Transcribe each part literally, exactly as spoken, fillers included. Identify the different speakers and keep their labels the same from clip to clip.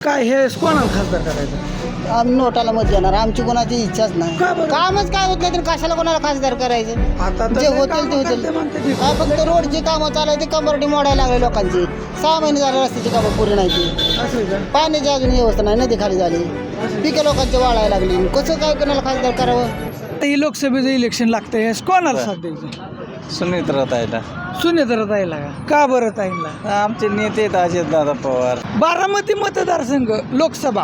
Speaker 1: काय हे कोणाला खासदार करायचं?
Speaker 2: आम्ही नोटाला मत देणार. आमची कोणाची इच्छाच नाही.
Speaker 1: का बरं?
Speaker 2: कामच काय होत नाही तर कशाला कोणाला खासदार करायचं?
Speaker 1: आता तर
Speaker 2: जे
Speaker 1: लय
Speaker 2: होतील
Speaker 1: कामं
Speaker 2: ते
Speaker 1: करते
Speaker 2: होतील.
Speaker 1: म्हणते ती.
Speaker 2: काय फक्त रोडची कामं चालायची, कंबरटी मोडायला लागले लोकांची. सहा महिने झाले रस्त्याची कामं पुरी नाही ती.
Speaker 1: असं आहे का?
Speaker 2: पाण्याची अजून व्यवस्था नाही, नदी खाली झाली, पिके लोकांची वाळायला लागली. कसं काय कोणाला खासदार करावं?
Speaker 1: आता ही लोकसभेचं इलेक्शन लागतंय हे कोणाला साथ द्यायचं?
Speaker 3: सुनीत्रताईला
Speaker 1: सुनेत्र ताईला का? का बरं ताईला?
Speaker 3: आमचे नेते आहेत अजितदादा पवार.
Speaker 1: बारामती मतदारसंघ लोकसभा,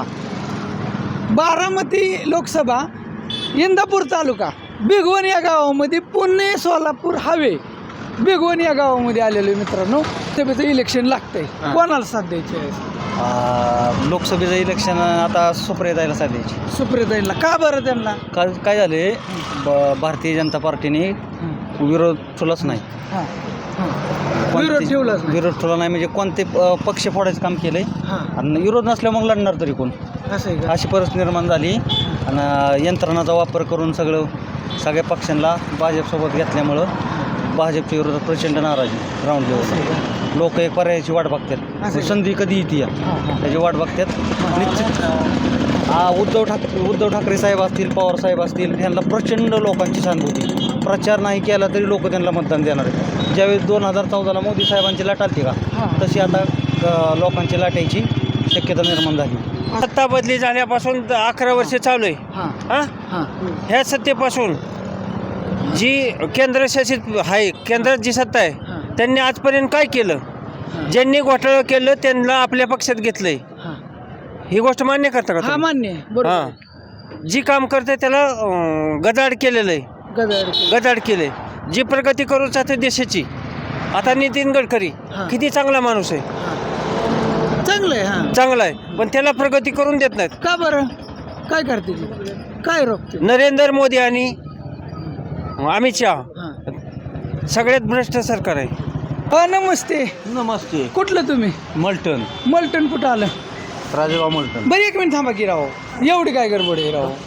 Speaker 1: बारामती लोकसभा, इंदापूर तालुका, भिगवण या गावामध्ये पुणे सोलापूर हायवे, भिगवण या गावामध्ये आलेलो आहे मित्रांनो. सभेचं इलेक्शन लागतंय, कोणाला साथ द्यायची आहे?
Speaker 3: आ, लोकसभेचं इलेक्शन आता सुप्रियाताईला साधायची.
Speaker 1: सुप्रियाताईला का बरं त्यांना?
Speaker 3: काय काय झाले, ब- भारतीय जनता पार्टीने विरोध ठेवलाच नाही.
Speaker 1: हां हां
Speaker 3: कोणते-
Speaker 1: विरोध ठेवलाच नाही.
Speaker 3: विरोध ठेवला नाही म्हणजे कोणते अ, पक्ष फोडायचं काम केलंय
Speaker 1: हां
Speaker 3: आणि विरोध नसल्यावर मग लढणार तरी कोण,
Speaker 1: असं आहे का?
Speaker 3: अशी परिस्थिती निर्माण झाली. आणि यंत्रणाचा वापर करून सगळं सगळ्या पक्षांना भाजपसोबत घेतल्यामुळं भाजपच्या विरोधात प्रचंड नाराजी ग्राउंड लेवलला. लोक एक पर्यायाची वाट बघतात,
Speaker 1: असं
Speaker 3: संधी कधी येते या
Speaker 1: हां हां
Speaker 3: त्याची वाट बघतात. निश्चित हा उद्धव ठाकरे उद्धव ठाकरे साहेब असतील, पवार साहेब असतील, ह्यांना प्रचंड लोकांची सहानुभूती. प्रचार नाही केला तरी लोक त्यांना मतदान देणार आहेत. ज्यावेळेस दोन हजार चौदाला मोदी साहेबांची लाट आली का,
Speaker 1: हां.
Speaker 3: तशी आता अ, लोकांची लाट यायची शक्यता निर्माण झाली.
Speaker 4: सत्ता बदली झाल्यापासून अकरा वर्ष चालू आहे.
Speaker 1: हां
Speaker 4: हां
Speaker 1: हां
Speaker 4: ह्या सत्तेपासून जी केंद्रशासित आहे, केंद्रात जी सत्ता आहे,
Speaker 1: हां
Speaker 4: त्यांनी आजपर्यंत काय केलं? ज्यांनी घोटाळं केलं त्यांना आपल्या पक्षात घेतलंय.
Speaker 1: हां
Speaker 4: ही गोष्ट मान्य करता का
Speaker 1: हा
Speaker 4: तुम्ही?
Speaker 1: मान्य आहे, बरोबर.
Speaker 4: हां जी काम करते त्याला अं, गदाड केलेलं आहे,
Speaker 1: गदार
Speaker 4: गदाड केलंय. जी प्रगती करू चाहते देशाची, आता नितीन गडकरी
Speaker 1: हां.
Speaker 4: किती चांगला माणूस आहे,
Speaker 1: चांगलं आहे. हां
Speaker 4: चांगला आहे, पण त्याला प्रगती करून देत नाहीत.
Speaker 1: का बरं? काय करते ती? काय रोखते?
Speaker 4: नरेंद्र मोदी आणि अमित शहा
Speaker 1: हां
Speaker 4: सगळ्यात भ्रष्ट सरकार आहे.
Speaker 1: अ, नमस्ते.
Speaker 3: नमस्ते.
Speaker 1: कुठलं तुम्ही?
Speaker 3: मल्टन,
Speaker 1: मलटण कुठं आलं?
Speaker 3: राजेगाव मल्टन.
Speaker 1: बरं एक मिनिट थांबा की राहो, एवढी काय गडबड आहे राहो?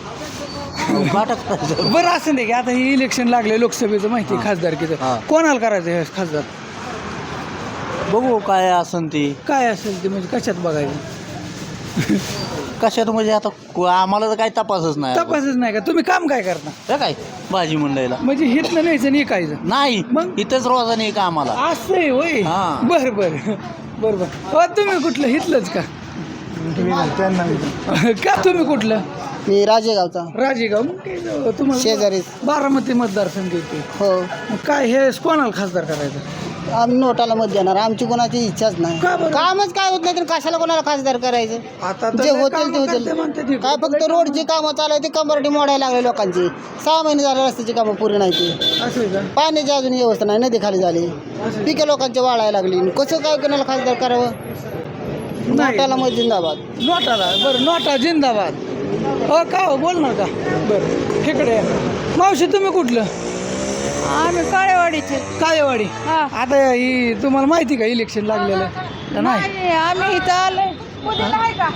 Speaker 1: बरं असं नाही की आता ही इलेक्शन लागले लोकसभेचं, माहिती आहे खासदारकीचं,
Speaker 3: हां.
Speaker 1: कोणाला करायचं हे खासदार?
Speaker 3: बघू काय असन ती.
Speaker 1: काय असेल ते म्हणजे कशात बघायचं?
Speaker 3: कशात म्हणजे आता को- आम्हाला तर काही तपासच नाही.
Speaker 1: तपासच नाही का? तुम्ही काम काय करता?
Speaker 3: तर काय भाजी मंडईला
Speaker 1: म्हणजे हितनं न्यायचं आणि ऐकायचं?
Speaker 3: नाही,
Speaker 1: मग?
Speaker 3: इथंच रोजाने का आम्हाला.
Speaker 1: असं आहे होय.
Speaker 3: हां.
Speaker 1: बरं बरं बरं बरं. हो तुम्ही कुठलं हितलंच का? का तुम्ही कुठलं?
Speaker 2: मी राजेगावचा.
Speaker 1: राजेगाव. मग काय जाऊ, तुम्हाला
Speaker 2: शेजारीच.
Speaker 1: बारामती मतदारसंघ येते.
Speaker 2: हो.
Speaker 1: मग काय हे कोणाला खासदार करायचं?
Speaker 2: आम्ही नोटाला मत देणार. आमची कोणाची इच्छाच नाही.
Speaker 1: का बरं?
Speaker 2: कामच काय होत नाही तर कशाला कोणाला खासदार करायचं?
Speaker 1: आता तर
Speaker 2: जे
Speaker 1: लय
Speaker 2: होतील ते
Speaker 1: कामं
Speaker 2: होतील.
Speaker 1: करते म्हणते ती.
Speaker 2: काय फक्त रोडची कामं चालायची, कंबरटी मोडायला लागले लोकांची. सहा महिने झाले रस्त्याची कामं पुरी नाही ती.
Speaker 1: असं आहे का?
Speaker 2: पाण्याची अजून व्यवस्था नाही, नदी खाली झाली, पिके लोकांची वाळायला लागली. कसं काय कोणाला खासदार करावं?
Speaker 1: नाही.
Speaker 2: नोटाला मत जिंदाबाद.
Speaker 1: नोटाला. बरं नोटा जिंदाबाद. हो का हो, बोलणार का? बरं इकडे या. मावशी तुम्ही कुठलं?
Speaker 5: आम्ही काळेवाडीचे.
Speaker 1: काळेवाडी.
Speaker 5: हा.
Speaker 1: आता ही तुम्हाला माहिती का इलेक्शन लागलेलं का नाही?
Speaker 5: नाही, आम्ही इथं आलोय. पुण्याला आहे का?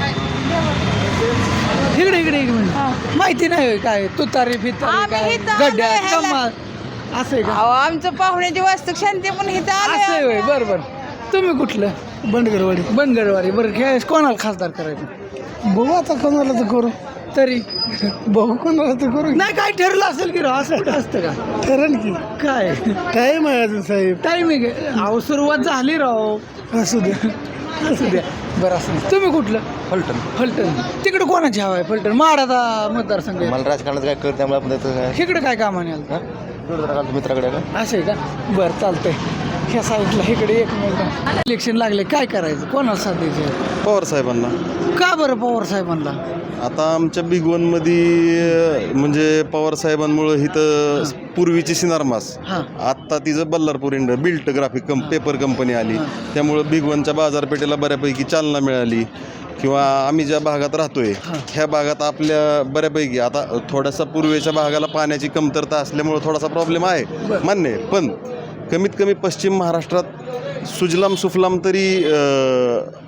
Speaker 1: इकडे इकडे एक मिनिट.
Speaker 5: हा.
Speaker 1: माहिती नाही होय काय तुतारी फितारी
Speaker 5: आम्ही
Speaker 1: काय
Speaker 5: इथं आलोय
Speaker 1: गड्ड्या
Speaker 5: ह्याला.
Speaker 1: कमाल असं आहे का?
Speaker 5: अहो, आमचं पाहुण्याची वास्तू शांती पण इथं
Speaker 1: असं आहे
Speaker 5: आलोय.
Speaker 1: होय. बरं बरं. तुम्ही कुठलं? बनगरवाडी. बनगरवाडी. बरं खेळ कोणाला खासदार करायचं?
Speaker 2: बघू आता कोणाला तर करू.
Speaker 1: तरी
Speaker 2: बघू कोणाला तर करू.
Speaker 1: नाही काय ठरलं असेल की राव, असं असतं का?
Speaker 2: ठरण की
Speaker 1: काय
Speaker 2: टाईम आहे अजून साहेब.
Speaker 1: टायमिंग आहे. अहो सुरुवात झाली राव.
Speaker 2: असू द्या.
Speaker 1: असू द्या. बरं असं नाही. तुम्ही कुठलं?
Speaker 3: फलटण.
Speaker 1: फलटण. तिकडे कोणाची हवा आहे? फलटण माडाचा मतदारसंघ आहे.
Speaker 3: मला राजकारणात काय कळत त्यामुळे आपण त्याचं
Speaker 1: इकडे काय कामाने आलं?
Speaker 3: काय मित्राकडे का
Speaker 1: असं आहे का? बरं चालतंय. ह्या साईडला इकडे एक मिनिट. इलेक्शन लागले, काय करायचं? कोणाला साथ द्यायची?
Speaker 6: पवार साहेबांना.
Speaker 1: का बरं पवार साहेबांना?
Speaker 6: आता आमच्या बिगवनमध्ये म्हणजे पवार साहेबांमुळं इथं पूर्वीची सिनारमास,
Speaker 1: हां
Speaker 6: आत्ता तिचं बल्लारपूर इंड बिल्ट ग्राफिक कं पेपर कंपनी आली. त्यामुळं बिगवनच्या बाजारपेठेला बऱ्यापैकी चालना मिळाली. किंवा आम्ही ज्या भागात राहतोय ह्या भागात आपल्या बऱ्यापैकी आता थोडासा पूर्वेच्या भागाला पाण्याची कमतरता असल्यामुळं थोडासा प्रॉब्लेम आहे, मान्य आहे. पण कमीत कमी पश्चिम महाराष्ट्रात सुजलाम सुफलाम तरी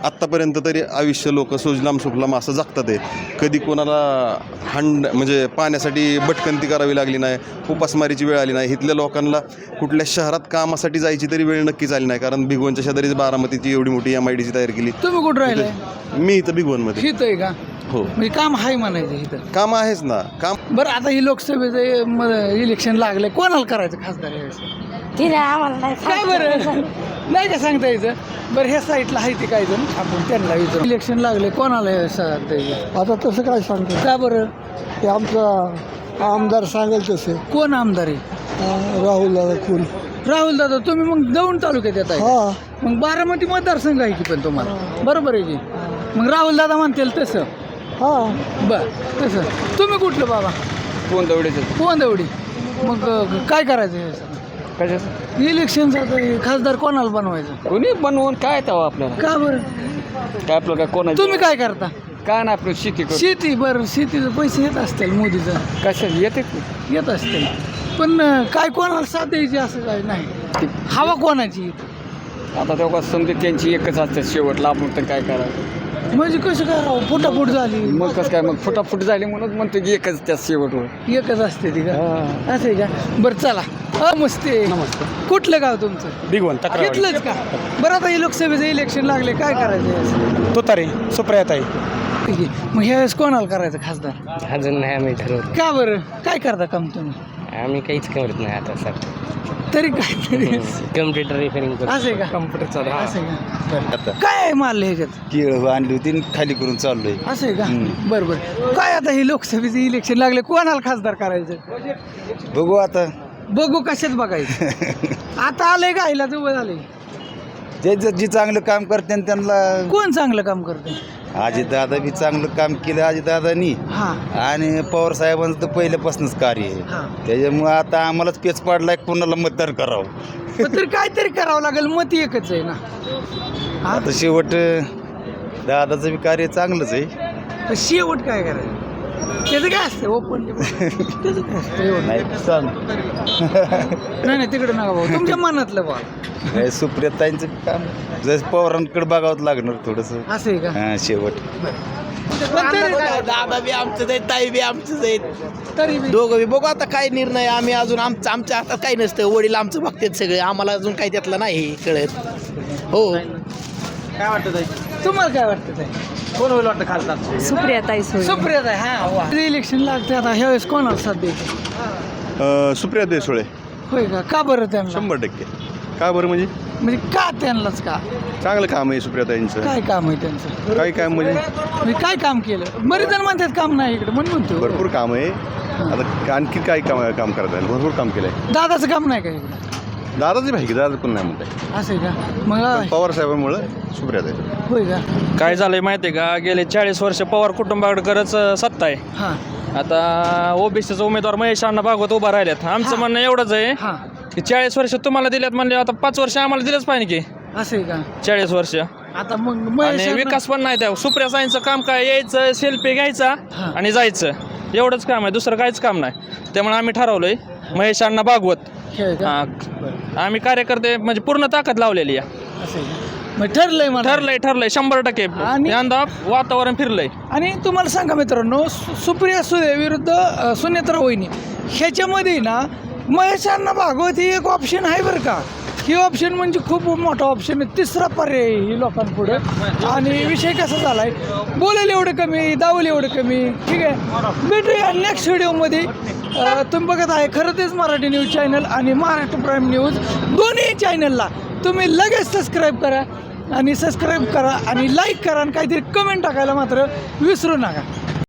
Speaker 6: आत्तापर्यंत तरी आयुष्य लोक सुजलाम सुफलाम असं जगतात आहे. कधी कोणाला हंड म्हणजे पाण्यासाठी भटकंती करावी लागली नाही, उपासमारीची वेळ आली नाही. इथल्या लोकांना कुठल्या शहरात कामासाठी जायची तरी वेळ नक्कीच आली नाही, कारण भिगवणच्या शेजारीच बारामतीची एवढी मोठी एम आय डी सी तयार केली.
Speaker 1: तुम्ही कुठं राहिलाय?
Speaker 6: मी इथं भिगवणमध्ये.
Speaker 1: हित आहे का?
Speaker 6: हो,
Speaker 1: म्हणजे काम आहे म्हणायचं इथं.
Speaker 6: काम आहेच ना काम.
Speaker 1: बरं, आता ही लोकसभेचं म- इलेक्शन लागलंय, कोणाला करायचं खासदार यावेळेस?
Speaker 7: तिने आम्हाला नाही
Speaker 1: काय बरं नाही का सांगता यायचं? बरं, ह्या साईडला आहे ते काय जण, आपण त्यांना विचारू. इलेक्शन लागले, कोणाला हे सांगता यायचं?
Speaker 2: आता तसं काय सांगतो
Speaker 1: का बरं?
Speaker 2: ते आमचा आमदार सांगेल तसे
Speaker 1: कोण आमदार आहे?
Speaker 2: राहुल दादा कोण
Speaker 1: राहुल दादा. तुम्ही मग दौंड तालुक्यात येत आहे,
Speaker 2: हा
Speaker 1: मग बारामती मतदारसंघ आहे की पण तुम्हाला, बरोबर आहे की? मग राहुल दादा म्हणतील तसं.
Speaker 2: हा
Speaker 1: बर, तसं. तुम्ही कुठलं बाबा?
Speaker 4: कोण दवडीचं
Speaker 1: पोंदवडी. मग अं, काय करायचं हे सगळं?
Speaker 4: कशाचं
Speaker 1: इलेक्शनचं आता हे खासदार कोणाला बनवायचं?
Speaker 4: कोणी बनवून काय तेव्हा आपल्याला
Speaker 1: का बरं?
Speaker 4: काय आपलं काय कोण
Speaker 1: तुम्ही काय करता?
Speaker 4: काय नाही आपलं शेती
Speaker 1: शेती. बरं, शेतीचं पैसे येत असतील मोदीचं,
Speaker 4: कशा येते
Speaker 1: येत असतील, पण अं, काय कोणाला साथ द्यायची असं काय नाही. हवा कोणाची?
Speaker 4: आता तेव्हा समजा त्यांची एकच असते शेवटला, आपण तर काय करावं.
Speaker 1: म्हणजे कसं काय राव, फुटाफूट झाली,
Speaker 4: मग कसं काय, मग फुटाफुट झाली म्हणून म्हणतो की एकच त्या शेवटवर.
Speaker 1: एकच असते ती का? असं आहे का? बरं चला. नमस्ते.
Speaker 4: नमस्ते.
Speaker 1: कुठलं गाव तुमचं?
Speaker 4: भिगवण
Speaker 1: घेतलंच का? बरं, आता हे लोकसभेचं इलेक्शन लागले, काय करायचं यावेळेस?
Speaker 4: तुतारी सुप्रियात आहे.
Speaker 1: ठीक आहे. मग ह्यावेळेस कोणाला करायचं खासदार?
Speaker 8: अजून नाही आम्ही ठरवलं.
Speaker 1: का बरं? काय करता काम तुम्ही?
Speaker 8: आम्ही काहीच करत नाही आता सर.
Speaker 1: तरी काय तरी
Speaker 8: कम्प्युटर रिपेअरिंग करतो.
Speaker 1: असं आहे का?
Speaker 4: कम्प्युटर चालू
Speaker 1: असं आहे का? काय आहे मारलं ह्याच्यात?
Speaker 3: केळ आणली होती खाली करून चाललोय.
Speaker 1: असं आहे का? बरं बरं. काय आता हे लोकसभेचं इलेक्शन लागले, कोणाला खासदार करायचं?
Speaker 3: बघू आता.
Speaker 1: बघू कशात बघायचं? आता आलंय का हिला जवळ आलंय?
Speaker 3: जे जे जे चांगलं काम करते त्यांना.
Speaker 1: कोण चांगलं काम करते?
Speaker 3: अजितदादा बी चांगलं काम केलं अजितदादानी,
Speaker 1: हा
Speaker 3: आणि पवार साहेबांचं तर पहिल्यापासूनच कार्य आहे.
Speaker 1: हा.
Speaker 3: त्याच्यामुळे आता आम्हालाच पेच पाडलाय कोणाला मतदान करावं.
Speaker 1: पण तरी काहीतरी करावं लागेल, मत एकच आहे ना. हा?
Speaker 3: आता शेवट दादाचं बी कार्य चांगलंच आहे.
Speaker 1: तर शेवट काय करायचं? त्याचं काय असतं ओपन? त्याचं काय असतं एवढं?
Speaker 3: नाही सांग.
Speaker 1: नाही नाही, तिकडे नका भाऊ, तुमच्या मनातलं बा.
Speaker 3: नाही, सुप्रियाताईंचं बी काम जसं पवारांकडे बघावं लागणार थोडंसं.
Speaker 1: असं आहे का?
Speaker 3: हा शेवट.
Speaker 1: पण तरी-
Speaker 9: दादा बी आमचंच आहे, ताई बी आमचंच आहेत,
Speaker 1: तरी बी-
Speaker 9: दोघं बी बघू आता काय निर्णय. आम्ही अजून आमचं आमच्या हातात काही नसतं, वडील आमचं बघतात सगळे, आम्हाला अजून काही त्यातलं नाही कळत. हो,
Speaker 4: काय वाटतं
Speaker 1: तुम्हाला काय वाटतं ते?
Speaker 4: कोण होईल वाटतं खासदार?
Speaker 7: सुप्रियाताई सोय.
Speaker 1: सुप्रियात आहे. हा वा. इलेक्शन लागते आता, ह्यावेळेस कोणाला साथ द्यायची?
Speaker 6: सुप्रिया देसोळे.
Speaker 1: होय का? का बरं त्यांना?
Speaker 6: शंभर टक्के. का बरं म्हणजे
Speaker 1: म्हणजे का त्यांनाच का?
Speaker 6: चांगलं काम आहे सुप्रियाताईंचं.
Speaker 1: काय काम आहे त्यांचं?
Speaker 6: काही काम म्हणजे
Speaker 1: म्हणजे काय काम केलं? बरेच जण म्हणतात काम नाही इकडे, म्हणून म्हणतो.
Speaker 6: भरपूर काम आहे. आता आणखी काय काम काम करता येईल, भरपूर काम केलं आहे.
Speaker 1: दादाचं काम नाही का इकडे?
Speaker 6: दादाची माहिती दादा पण नाही म्हणताय.
Speaker 1: असं आहे का? मग
Speaker 6: पवार साहेबांमुळे सुप्रियाताई.
Speaker 1: होय का?
Speaker 10: काय झालंय माहिती आहे का, गेले चाळीस वर्ष पवार कुटुंबाकडे सत्ता आहे.
Speaker 1: हां
Speaker 10: आता ओबीसीचा उमेदवार महेश अण्णा भागवत उभा राहिल्यात. आमचं म्हणणं एवढंच आहे
Speaker 1: हां.
Speaker 10: की चाळीस वर्ष तुम्हाला दिल्यात म्हणले, आता पाच वर्ष आम्हाला दिलंच पाहिजे की.
Speaker 1: असं आहे का?
Speaker 10: चाळीस वर्ष
Speaker 1: आता मग महेश
Speaker 10: आणि
Speaker 1: अण्णा-
Speaker 10: विकास पण नाही त्या. सुप्रिया साईंचं काम काय, यायचं सेल्फी घ्यायचा
Speaker 1: हां.
Speaker 10: आणि जायचं, एवढंच काम आहे, दुसरं काहीच काम नाही. त्यामुळे आम्ही ठरवलंय महेश अण्णा भागवत.
Speaker 1: खेळ का?
Speaker 10: हां, आम्ही कार्यकर्ते म्हणजे पूर्ण ताकद लावलेली आहे.
Speaker 1: असं आहे का? मग ठरलंय मला.
Speaker 10: ठरलंय ठरलंय शंभर टक्के.
Speaker 1: आणि-
Speaker 10: यंदा वातावरण फिरलंय.
Speaker 1: आणि तुम्हाला सांगा मित्रांनो, सु- सुप्रिया सुळे विरुद्ध अ, सुनेत्रा वहिनी, ह्याच्यामध्ये ना महेशांना भागवत ही एक ऑप्शन आहे बरं का. ही ऑप्शन म्हणजे खूप मोठा ऑप्शन आहे, तिसरा पर्याय आहे ही लोकांपुढे. आणि विषय कसा झाला आहे, बोलायला एवढं कमी, दावलं एवढं कमी. ठीक आहे, भेटूया नेक्स्ट व्हिडिओमध्ये. अ, तुम्ही बघत आहे खरं तेच मराठी न्यूज चॅनल आणि महाराष्ट्र प्राईम न्यूज, दोन्ही चॅनलला तुम्ही लगेच सबस्क्राईब करा आणि सबस्क्राईब करा आणि लाईक करा आणि काहीतरी कमेंट टाकायला मात्र विसरू नका.